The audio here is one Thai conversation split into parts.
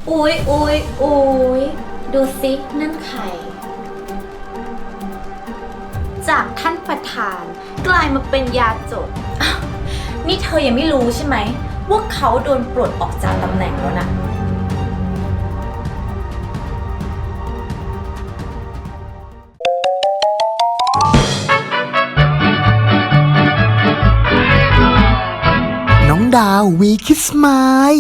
อุ๊ยอุ๊ยอุ๊ยดูสินั่นใครจากท่านประธานกลายมาเป็นยาจกอ้าวนี่เธอยังไม่รู้ใช่ไหมว่าเขาโดนปลดออกจากตำแหน่งแล้วนะน้องดาววีคิสมาย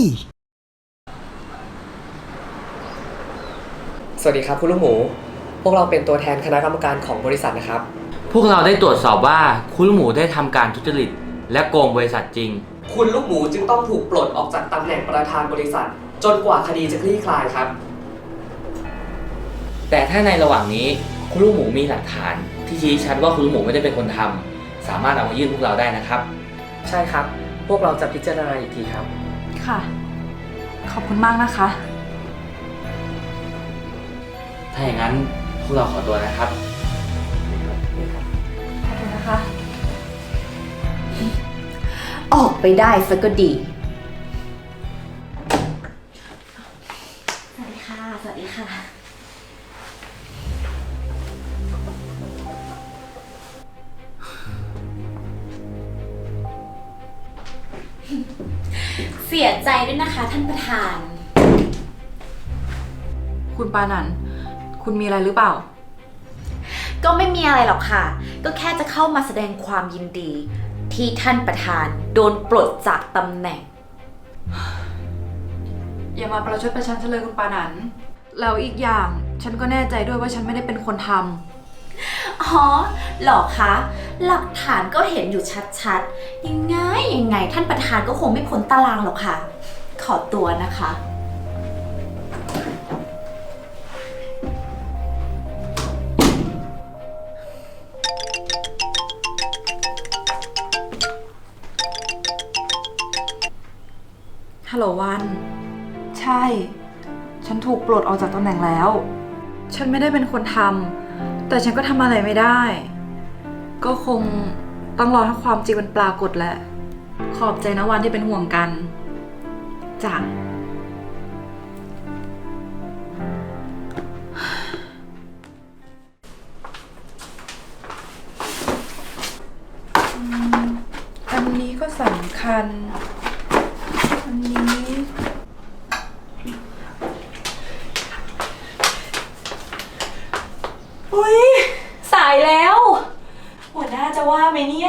สวัสดีครับคุณลูกหมู พวกเราเป็นตัวแทนคณะกรรมการของบริษัทนะครับพวกเราได้ตรวจสอบว่าคุณลูกหมูได้ทำการทุจริตและโกงบริษัทจริงคุณลูกหมูจึงต้องถูกปลดออกจากตำแหน่งประธานบริษัท จนกว่าคดีจะคลี่คลายครับแต่ถ้าในระหว่างนี้คุณลูกหมูมีหลักฐานที่ชี้ชัดว่าคุณลูกหมูไม่ได้เป็นคนทำสามารถเอามายื่นพวกเราได้นะครับใช่ครับ พวกเราจะพิจารณาอีกทีครับค่ะ ขอบคุณมากนะคะถ้าอย่างนั้นพวกเราขอตัวนะครับขอบคุณนะคะออกไปได้ซะก็ดีสวัสดีค่ะสวัสดีค่ะเสียใจด้วยนะคะท่านประธานคุณปานันท์คุณมีอะไรหรือเปล่าก็ไม่มีอะไรหรอกค่ะ ก็แค่จะเข้ามาแสดงความยินดี ที่ท่านประธานโดนปลดจากตำแหน่งอย่ามาประชดประชันฉันเลยคุณปานันท์แล้วอีกอย่างฉันก็แน่ใจด้วยว่าฉันไม่ได้เป็นคนทำอ๋อเหรอคะ หลักฐานก็เห็นอยู่ชัดๆ ยังไงท่านประธานก็คงไม่พ้นตารางหรอกค่ะ ขอตัวนะคะฮัลโหลวัน ใช่ ฉันถูกปลดออกจากตำแหน่งแล้ว ฉันไม่ได้เป็นคนทำแต่ฉันก็ทำอะไรไม่ได้ ก็คงต้องรอให้ความจริงมันปรากฏแหละ ขอบใจนะวันที่เป็นห่วงกันจ้ะอันนี้ก็สำคัญ อันนี้อุ๊ยสายแล้ว หัวหน้าจะว่าไหมเนี่ย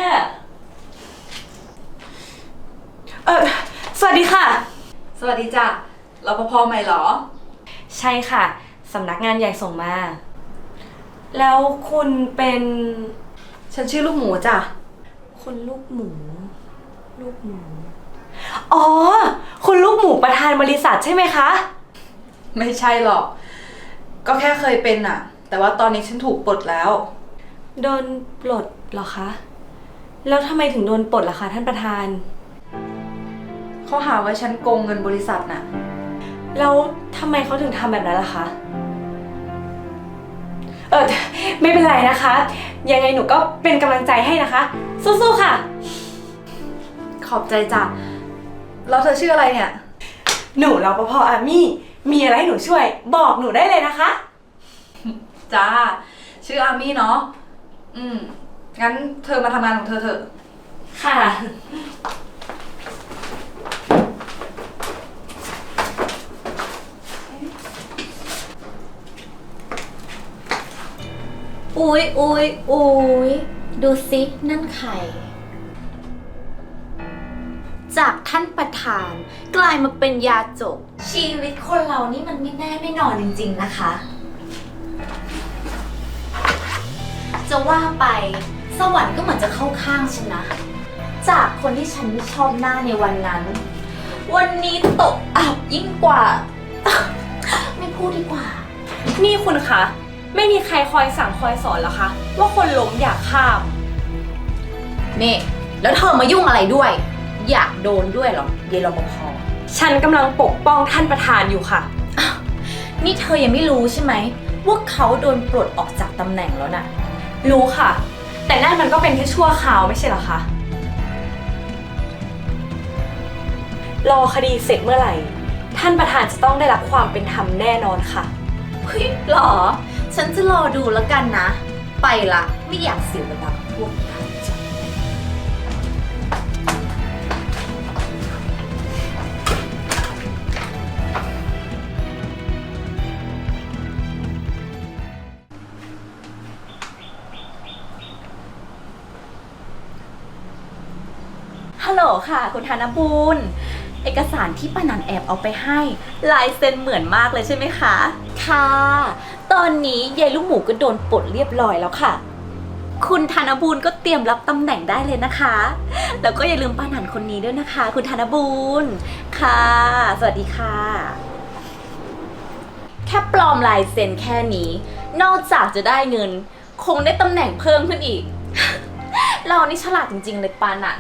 สวัสดีค่ะสวัสดีจ้ะรปภใหม่เหรอใช่ค่ะ สำนักงานใหญ่ส่งมา แล้วคุณเป็นฉันชื่อลูกหมูจ้ะคุณลูกหมู ลูกหมู อ๋อ คุณลูกหมูประธานบริษัทใช่ไหมคะไม่ใช่หรอก ก็แค่เคยเป็นอะแต่ว่าตอนนี้ฉันถูกปลดแล้วโดนปลดเหรอคะ แล้วทำไมถึงโดนปลดล่ะคะท่านประธานเขาหาว่าฉันโกงเงินบริษัทน่ะแล้วทำไมเขาถึงทำแบบนั้นล่ะคะ ไม่เป็นไรนะคะ ยังไงหนูก็เป็นกำลังใจให้นะคะ สู้ๆค่ะขอบใจจ้ะ แล้วเธอชื่ออะไรเนี่ยหนูรปภอามี่ มีอะไรให้หนูช่วย บอกหนูได้เลยนะคะจ้า ชื่ออามี่เนาะ งั้นเธอมาทำงานของเธอเถอะค่ะอุ๊ยอุ๊ยอุ๊ยดูสินั่นใครจากท่านประธานกลายมาเป็นยาจก ชีวิตคนเรานี่มันไม่แน่ไม่นอนจริงๆนะคะ จะว่าไปสวรรค์ก็เหมือนจะเข้าข้างฉันนะ จากคนที่ฉันไม่ชอบหน้าในวันนั้น วันนี้ตกอับยิ่งกว่า ไม่พูดดีกว่านี่คุณคะ ไม่มีใครคอยสั่งคอยสอนเหรอคะ ว่าคนล้มอยากข้ามนี่แล้วเธอมายุ่งอะไรด้วย อยากโดนด้วยเหรอเยายรปภฉันกำลังปกป้องท่านประธานอยู่ค่ะนี่เธอยังไม่รู้ใช่ไหมว่าเขาโดนปลดออกจากตำแหน่งแล้วนะรู้ค่ะ แต่นั่นมันก็เป็นแค่ชั่วคราวไม่ใช่เหรอคะ รอคดีเสร็จเมื่อไหร่ท่านประธานจะต้องได้รับความเป็นธรรมแน่นอนค่ะเฮ้ยหรอ ฉันจะรอดูแล้วกันนะ ไปละไม่อยากเสียเวลากับพวกท่านจ้ะ ฮัลโหลค่ะ คุณธนบูรณ์เอกสารที่ป้านันแอบเอาไปให้ลายเซ็นเหมือนมากเลยใช่ไหมคะ ค่ะ ตอนนี้ยายลูกหมูก็โดนปลดเรียบร้อยแล้วค่ะ คุณธนบูรณ์ก็เตรียมรับตำแหน่งได้เลยนะคะ แล้วก็อย่าลืมป้านันคนนี้ด้วยนะคะ คุณธนบูรณ์ค่ะ สวัสดีค่ะ แค่ปลอมลายเซ็นแค่นี้ นอกจากจะได้เงิน คงได้ตำแหน่งเพิ่มขึ้นอีก เรานี่ฉลาดจริงๆเลยป้านัน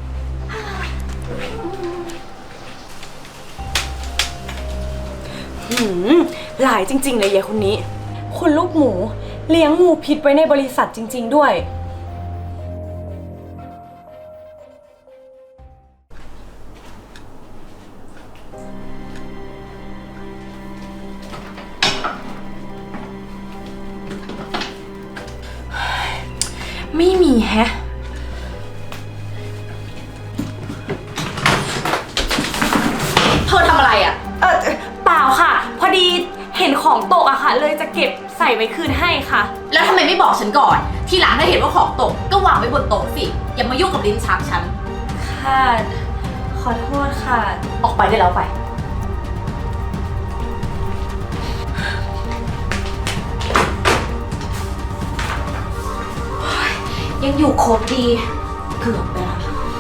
หลายจริงๆเลยยายคนนี้ คุณลูกหมูเลี้ยงงูพิษไว้ในบริษัทจริงๆด้วย ไม่มีแฮะเธอทำอะไรอ่ะเปล่าค่ะ พอดีเห็นของตกอะค่ะ เลยจะเก็บใส่ไว้คืนให้ค่ะแล้วทำไมไม่บอกฉันก่อน ทีหลังถ้าเห็นว่าของตกก็วางไว้บนโต๊ะสิ อย่ามายุ่งกับลิ้นชักฉันค่ะ ขอโทษค่ะออกไปได้แล้วไป ยังอยู่ครบดี เกือบไปแล้ว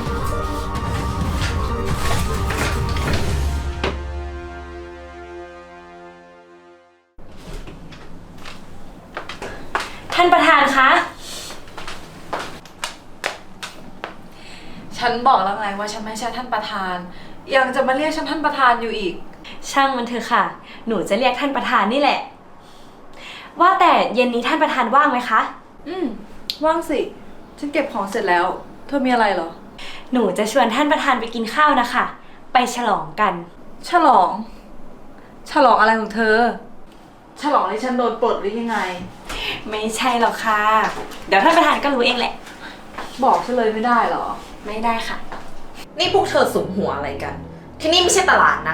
ท่านประธานคะฉันบอกแล้วไงว่าฉันไม่ใช่ท่านประธาน ยังจะมาเรียกฉันท่านประธานอยู่อีกช่างมันเถอะค่ะ หนูจะเรียกท่านประธานนี่แหละ ว่าแต่เย็นนี้ท่านประธานว่างไหมคะว่างสิ ฉันเก็บของเสร็จแล้ว เธอมีอะไรเหรอหนูจะชวนท่านประธานไปกินข้าวนะคะ ไปฉลองกันฉลอง ฉลองอะไรของเธอ ฉลองที่ฉันโดนปลดหรือยังไงไม่ใช่หรอกค่ะ เดี๋ยวท่านประธานก็รู้เองแหละบอกฉันเลยไม่ได้เหรอไม่ได้ค่ะนี่พวกเธอสุมหัวอะไรกัน ที่นี่ไม่ใช่ตลาดนะ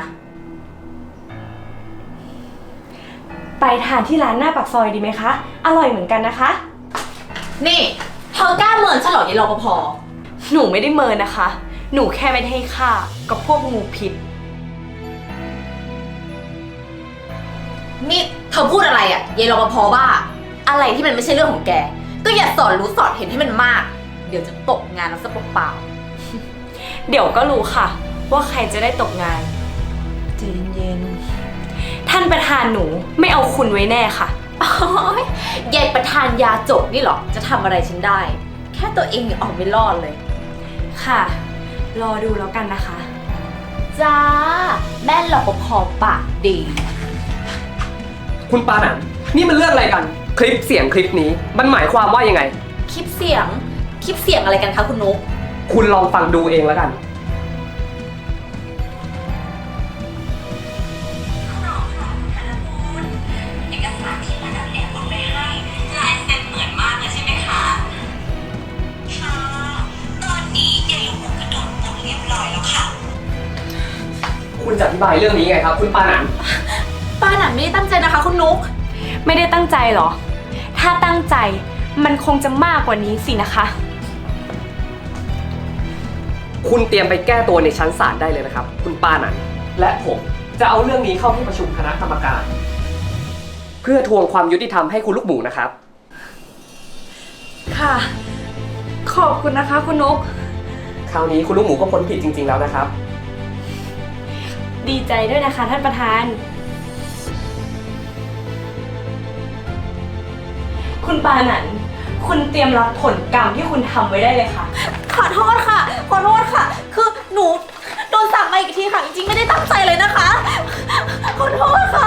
ไปทานที่ร้านหน้าปากซอยดีไหมคะ อร่อยเหมือนกันนะคะนี่เธอกล้าเมินฉันเหรอยายรปภหนูไม่ได้เมินนะคะ หนูแค่ไม่ได้ให้ค่ากับพวกงูพิษนี่เธอพูดอะไรอ่ะยายรปภบ้า อะไรที่มันไม่ใช่เรื่องของแก ก็อย่าสอนรู้สอนเห็นให้มันมาก เดี๋ยวจะตกงานแล้วซะเปล่าเดี๋ยวก็รู้ค่ะ ว่าใครจะได้ตกงานใจเย็นท่านประธานหนูไม่เอาคุณไว้แน่ค่ะๆ โอ๊ยยายประธานยาจกนี่เหรอ จะทำอะไรฉันได้ แค่ตัวเองยังออกไม่รอดเลยค่ะ รอดูแล้วกันนะคะจ้า แม่รปภปากดีคุณปานันนี่มันเรื่องอะไรกัน คลิปเสียงคลิปนี้มันหมายความว่ายังไงคลิปเสียงอะไรกันคะคุณนุ๊กคุณลองฟังดูเองแล้วกัน คุณจะอธิบายเรื่องนี้ไงครับ คุณปานันป้าหนันไม่ได้ตั้งใจนะคะคุณนุ๊กไม่ได้ตั้งใจเหรอ ถ้าตั้งใจมันคงจะมากกว่านี้สินะคะคุณเตรียมไปแก้ตัวในชั้นศาลได้เลยนะครับ คุณปานันและผมจะเอาเรื่องนี้เข้าที่ประชุมคณะกรรมการ เพื่อทวงความยุติธรรมให้คุณลูกหมูนะครับค่ะ ขอบคุณนะคะคุณนกคราวนี้คุณลูกหมูก็พ้นผิดจริงๆแล้วนะครับดีใจด้วยนะคะท่านประธาน คุณปานันคุณเตรียมรับผลกรรมที่คุณทำไว้ได้เลยค่ะขอโทษค่ะ ขอโทษค่ะ คือหนูโดนสั่งมาอีกทีค่ะ จริงๆไม่ได้ตั้งใจเลยนะคะ ขอโทษค่ะ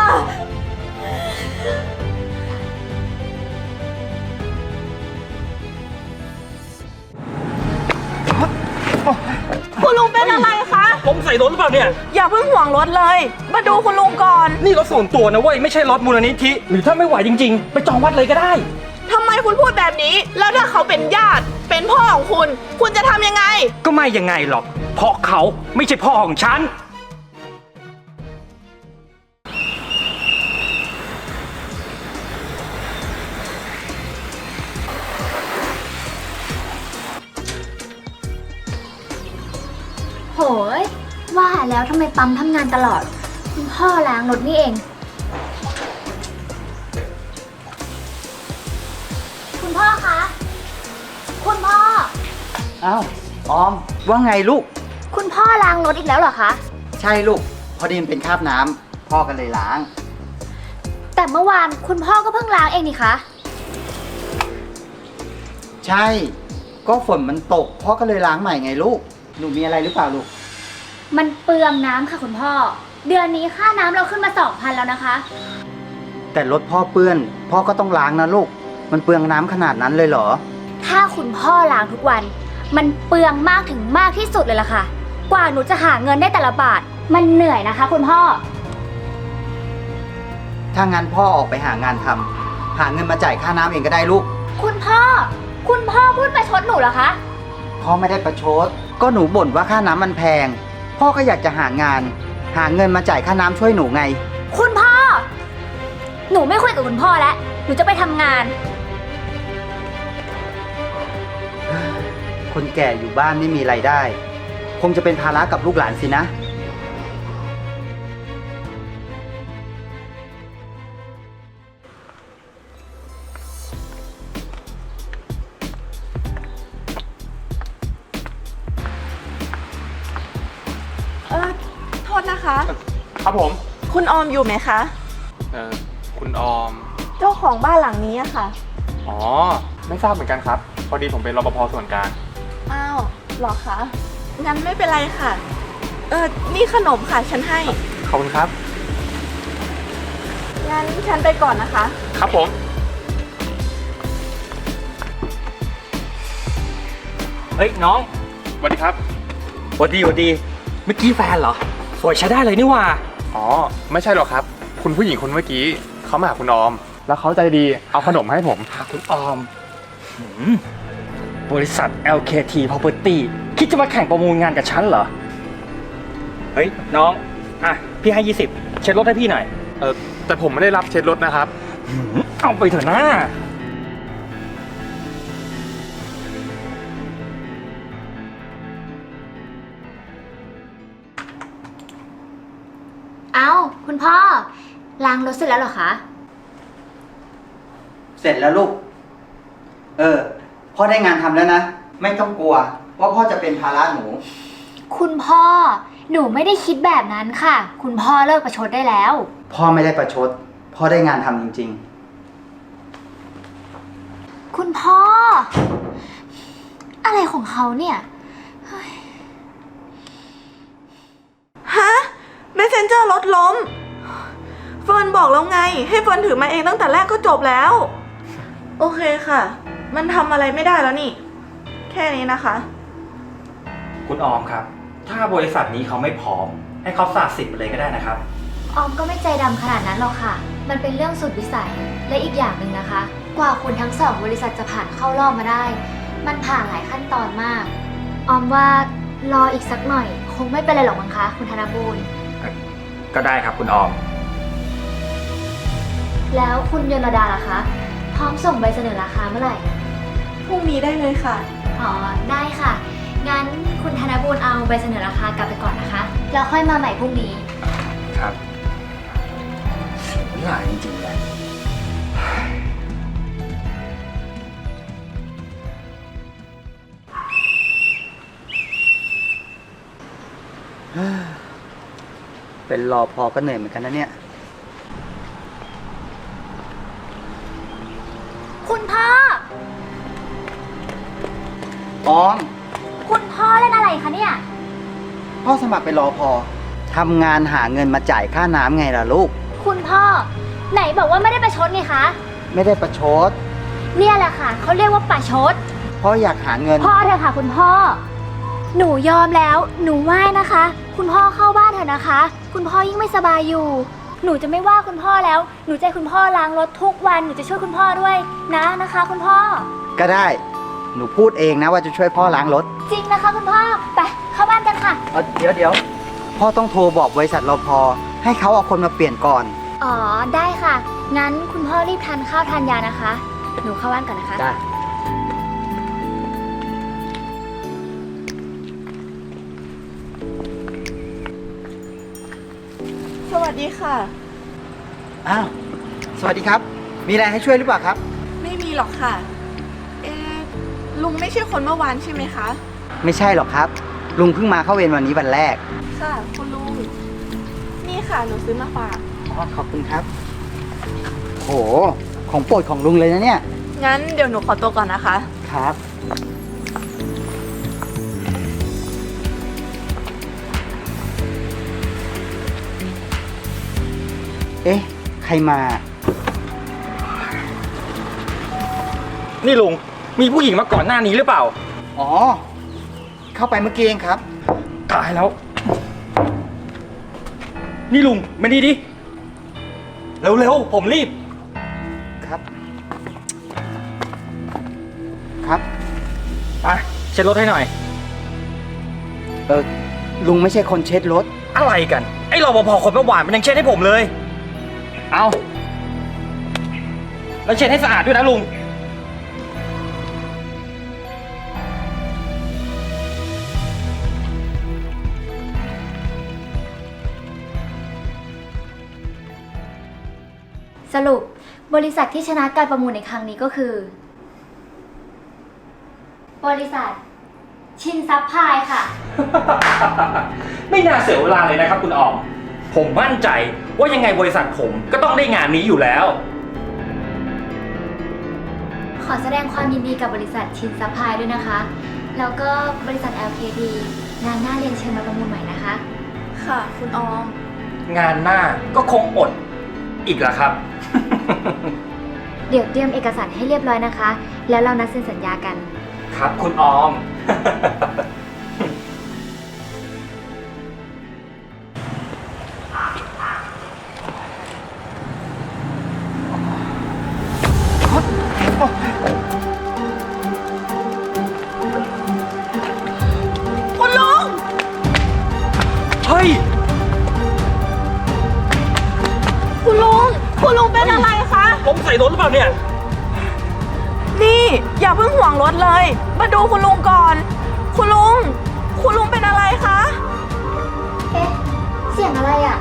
คุณลุงเป็นอะไรคะผมใส่โดนหรือเปล่าล่าเนี่ยอย่าเพิ่งห่วงรถเลย มาดูคุณลุงก่อนนี่รถส่วนตัวนะเว้ย ไม่ใช่รถมูลนิธิ หรือถ้าไม่ไหวจริงๆ ไปจองวัดเลยก็ได้ทำไมคุณพูดแบบนี้ แล้วถ้าเขาเป็นญาติ เป็นพ่อของคุณ คุณจะทำยังไงก็ไม่ยังไงหรอก เพราะเขาไม่ใช่พ่อของฉันโหยว่าแล้วทำไมปั๊มทำงานตลอด คุณพ่อล้างรถนี่เอง คุณพ่อคะ คุณพ่ออ้าว ออม ว่าไงลูกคุณพ่อล้างรถอีกแล้วเหรอคะใช่ลูก พอดีมันเป็นคราบน้ำพ่อก็เลยล้างแต่เมื่อวานคุณพ่อก็เพิ่งล้างเองนี่คะใช่ ก็ฝนมันตกพ่อก็เลยล้างใหม่ไงลูก หนูมีอะไรหรือเปล่าลูกมันเปลืองน้ำค่ะคุณพ่อ เดือนนี้ค่าน้ำเราขึ้นมา 2,000 แล้วนะคะแต่รถพ่อเปื้อน พ่อก็ต้องล้างนะลูก มันเปลืองน้ำขนาดนั้นเลยเหรอถ้าคุณพ่อล้างทุกวัน มันเปลืองมากถึงมากที่สุดเลยล่ะค่ะ กว่าหนูจะหาเงินได้แต่ละบาท มันเหนื่อยนะคะ คุณพ่อถ้างั้นพ่อออกไปหางานทำหาเงินมาจ่ายค่าน้ำเองก็ได้ลูกคุณพ่อพูดประชดหนูเหรอคะพ่อไม่ได้ประชด ก็หนูบ่นว่าค่าน้ำมันแพง พ่อก็อยากจะหางาน หาเงินมาจ่ายค่าน้ำช่วยหนูไงคุณพ่อ หนูไม่คุยกับคุณพ่อแล้ว หนูจะไปทำงานคนแก่อยู่บ้านไม่มีรายได้ คงจะเป็นภาระกับลูกหลานสินะโทษนะคะครับผมคุณออมอยู่ไหมคะคุณออมเจ้าของบ้านหลังนี้อะค่ะอ๋อ ไม่ทราบเหมือนกันครับ พอดีผมเป็นรปภส่วนกลางอ้าวเหรอคะ งั้นไม่เป็นไรค่ะ นี่ขนมค่ะ ฉันให้ขอบคุณครับงั้นฉันไปก่อนนะคะครับผมเฮ้ยน้องสวัสดีครับหวัดดีหวัดดี เมื่อกี้แฟนเหรอ สวยใช้ได้เลยนี่หว่าอ๋อ ไม่ใช่หรอกครับ คุณผู้หญิงคนเมื่อกี้เขามาหาคุณออม แล้วเขาใจดี เอาขนมให้ผมหาคุณออมบริษัท LKT Property คิดจะมาแข่งประมูลงานกับฉันเหรอ เฮ้ยน้อง อ่ะ พี่ให้ 20 เช็ดรถให้พี่หน่อยแต่ผมไม่ได้รับเช็ดรถนะครับเอาไปเถอะนะเอ้า คุณพ่อ ล้างรถเสร็จแล้วเหรอคะเสร็จแล้วลูก พ่อได้งานทำแล้วนะ ไม่ต้องกลัวว่าพ่อจะเป็นภาระหนูคุณพ่อ หนูไม่ได้คิดแบบนั้นค่ะ คุณพ่อเลิกประชดได้แล้วพ่อไม่ได้ประชด พ่อได้งานทำจริงคุณพ่อ อะไรของเขาเนี่ยฮะ Messenger รถล้ม เฟิร์นบอกแล้วไง ให้เฟิร์นถือมาเองตั้งแต่แรกก็จบแล้ว โอเคค่ะ มันทำอะไรไม่ได้แล้วนี่ แค่นี้นะคะคุณออมครับ ถ้าบริษัทนี้เขาไม่พร้อม ให้เขาสาดสิบไปเลยก็ได้นะครับออมก็ไม่ใจดำขนาดนั้นหรอกค่ะ มันเป็นเรื่องสุดวิสัย และอีกอย่างหนึ่งนะคะ กว่าคุณทั้งสองบริษัทจะผ่านเข้ารอบมาได้ มันผ่านหลายขั้นตอนมาก ออมว่ารออีกสักหน่อย คงไม่เป็นไรหรอกมั้งคะ คุณธนบูรณ์ก็ได้ครับคุณออมแล้วคุณยนรดาล่ะคะ พร้อมส่งใบเสนอราคาเมื่อไหร่พรุ่งนี้ได้เลยค่ะอ๋อ ได้ค่ะ งั้นคุณธนบูรณ์เอาใบเสนอราคากลับไปก่อนนะคะ แล้วค่อยมาใหม่พรุ่งนี้ครับหลายจริงๆเลยๆ เป็นรอพอก็เหนื่อยเหมือนกันนะเนี่ยคุณพ่อออมคุณพ่อเล่นอะไรคะเนี่ยพ่อสมัครเป็นรอพอทำงานหาเงินมาจ่ายค่าน้ำไงล่ะลูกคุณพ่อ ไหนบอกว่าไม่ได้ประชดไงคะไม่ได้ประชดเนี่ยแหละค่ะ เขาเรียกว่าประชดพ่ออยากหาเงินพ่อเถอะค่ะคุณพ่อ หนูยอมแล้ว หนูไหว้นะคะคุณพ่อเข้าบ้านเถอะนะคะ คุณพ่อยิ่งไม่สบายอยู่ หนูจะไม่ว่าคุณพ่อแล้ว หนูจะให้คุณพ่อล้างรถทุกวัน หนูจะช่วยคุณพ่อด้วยนะคะ คุณพ่อก็ได้ หนูพูดเองนะว่าจะช่วยพ่อล้างรถจริงนะคะคุณพ่อ ไปเข้าบ้านกันค่ะเดี๋ยวพ่อต้องโทรบอกบริษัทรปภให้เขาเอาคนมาเปลี่ยนก่อนอ๋อ ได้ค่ะ งั้นคุณพ่อรีบทานข้าวทานยานะคะ หนูเข้าบ้านก่อนนะคะได้สวัสดีค่ะอ้าว สวัสดีครับ มีอะไรให้ช่วยหรือเปล่าครับไม่มีหรอกค่ะ ลุงไม่ใช่คนเมื่อวานใช่ไหมคะไม่ใช่หรอกครับ ลุงเพิ่งมาเข้าเวรวันนี้วันแรกค่ะ คุณลุง นี่ค่ะ หนูซื้อมาฝากอ๋อ ขอบคุณครับ โห ของโปรดของลุงเลยนะเนี่ยงั้นเดี๋ยวหนูขอตัวก่อนนะคะครับ เอ๊ะ ใครมานี่ลุง มีผู้หญิงมาก่อนหน้านี้หรือเปล่าอ๋อ เข้าไปเมื่อกี้เองครับตายแล้ว นี่ลุงมานี่ดิ เร็วๆ ผมรีบครับ ครับไปเช็ดรถให้หน่อยลุงไม่ใช่คนเช็ดรถอะไรกัน ไอ้รปภคนเมื่อวานมันยังเช็ดให้ผมเลย เอาแล้วเช็ดให้สะอาดด้วยนะลุงสรุปบริษัทที่ชนะการประมูลในครั้งนี้ก็คือ บริษัทชินซับพลายค่ะไม่น่าเสียเวลาเลยนะครับคุณออม ผมมั่นใจว่ายังไงบริษัทผมก็ต้องได้งานนี้อยู่แล้วขอแสดงความยินดีกับบริษัทชินซับพลายด้วยนะคะ แล้วก็บริษัท LKT งานหน้าเรียนเชิญมาประมูลใหม่นะคะค่ะ คุณออมงานหน้าก็คงอดอีกแล้วครับเดี๋ยวเตรียมเอกสารให้เรียบร้อยนะคะ แล้วเรานัดเซ็นสัญญากันครับคุณออมคุณลุงเฮ้ยคุณลุงเป็นอะไรคะผมใส่รถหรือเปล่าเนี่ยนี่ อย่าเพิ่งห่วงรถเลย มาดูคุณลุงก่อน คุณลุงเป็นอะไรคะเอ๊ะ เสียงอะไรอ่ะ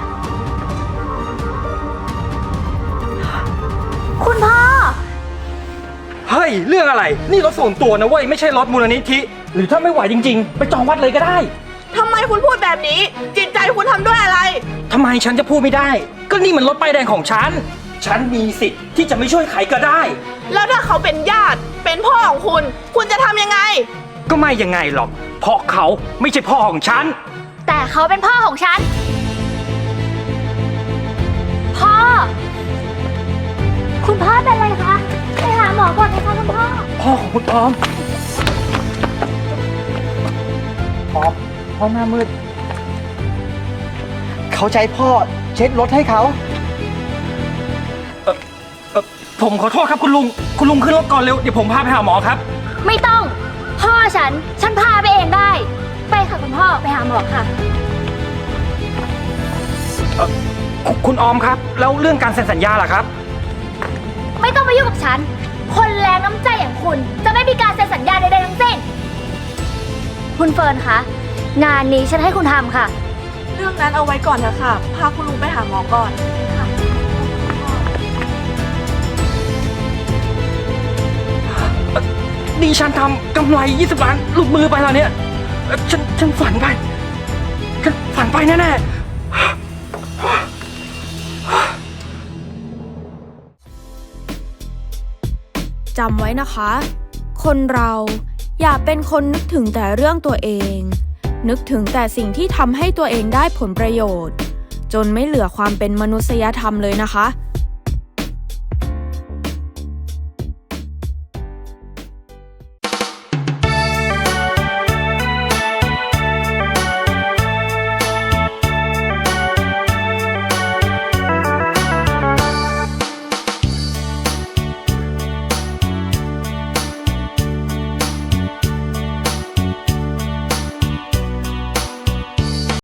คุณพ่อเฮ้ย เรื่องอะไร นี่รถส่วนตัวนะเว้ย ไม่ใช่รถมูลนิธิ หรือถ้าไม่ไหวจริงๆ ไปจองวัดเลยก็ได้ทำไมคุณพูดแบบนี้ จิตใจคุณทำด้วยอะไรทำไมฉันจะพูดไม่ได้ ก็นี่มันรถป้ายแดงของฉัน ฉันมีสิทธิ์ที่จะไม่ช่วยใครก็ได้แล้วถ้าเขาเป็นญาติ เป็นพ่อของคุณ คุณจะทำยังไงก็ไม่ยังไงหรอก เพราะเขาไม่ใช่พ่อของฉันแต่เขาเป็นพ่อของฉัน พ่อ คุณพ่อเป็นอะไรคะ ไปหาหมอก่อนนะคะคุณพ่อพ่อของคุณออมพ่อหน้ามืด เขาใช้พ่อเช็ดรถให้เขาผมขอโทษครับคุณลุง คุณลุงขึ้นรถก่อนเร็ว เดี๋ยวผมพาไปหาหมอครับไม่ต้อง พ่อฉันพาไปเองได้ ไปค่ะคุณพ่อ ไปหาหมอค่ะคุณออมครับ แล้วเรื่องการเซ็นสัญญาล่ะครับไม่ต้องมายุ่งกับฉัน คนแรงน้ำใจอย่างคุณ จะไม่มีการเซ็นสัญญาใดๆทั้งสิ้น คุณเฟิร์นคะ งานนี้ฉันให้คุณทำค่ะเรื่องนั้นเอาไว้ก่อนเถอะค่ะ พาคุณลุงไปหาหมอก่อนนี่ฉันทำกำไร20 ล้านหลุดมือไปแล้วเนี่ย ฉันฝันไป ฉันฝันไปแน่ๆจำไว้นะคะ คนเราอย่าเป็นคนนึกถึงแต่เรื่องตัวเอง นึกถึงแต่สิ่งที่ทำให้ตัวเองได้ผลประโยชน์ จนไม่เหลือความเป็นมนุษยธรรมเลยนะคะ